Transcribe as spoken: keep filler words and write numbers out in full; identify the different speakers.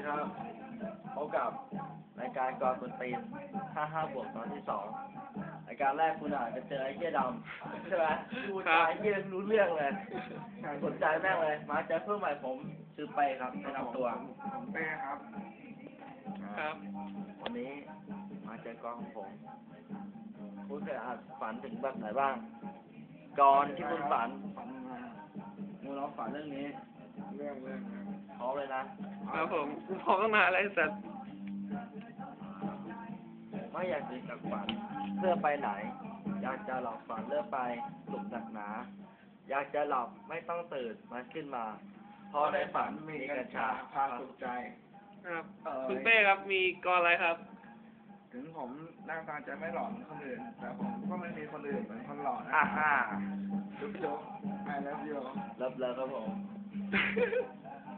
Speaker 1: ครับพบกับรายการกอคนตีนห้าห้าบวกตอนที่สองรายการแรกคุณอาจจะเจอไอ้เหี้ยดำใช่ไหมพูดจาไอ้เหี้ยรู้เรื่องเลยสนใจแม่งเลย มาเจอเพื่อนใหม่ผมชื่อเป้ครับแนะนำตัว
Speaker 2: ผมเป้ครับ
Speaker 3: ครับ
Speaker 1: วันนี้มาเจอกองของผม คุณเคยอาจฝันถึงแบบไหนบ้างก่อนที่คุณฝัน
Speaker 2: ฝันมา
Speaker 1: มึงลองฝันเรื่องนี้
Speaker 2: เรื่องเรื่องครับ
Speaker 1: พร้อมเลยนะ
Speaker 3: ครับผมกูพร้อมตั้งนานแล้วไอ้สัตว์
Speaker 1: ไม่อยากตื่นจากฝันเพื่อไปไหน อยากจะหลับฝันเลื่อไปหลุมหนักหนา อยากจะหลับไม่ต้องตื่นมันขึ้นมาเพราะในฝันมีกัญชา
Speaker 2: พาสุขใจ
Speaker 3: ครับ
Speaker 2: เอ่อ
Speaker 3: คุณเป้ครับมีกรอะไรครับ
Speaker 2: ถึงผมหน้าตาจะไม่หล่อเหมือนคนอื่น แต่ผมก็ไม่มีคนอื่นเหมือนคนหล่อนะ
Speaker 1: อ่าฮ่า
Speaker 2: จุ๊บจุ๊บไอเลิฟยู
Speaker 1: เลิฟเลิฟครับผม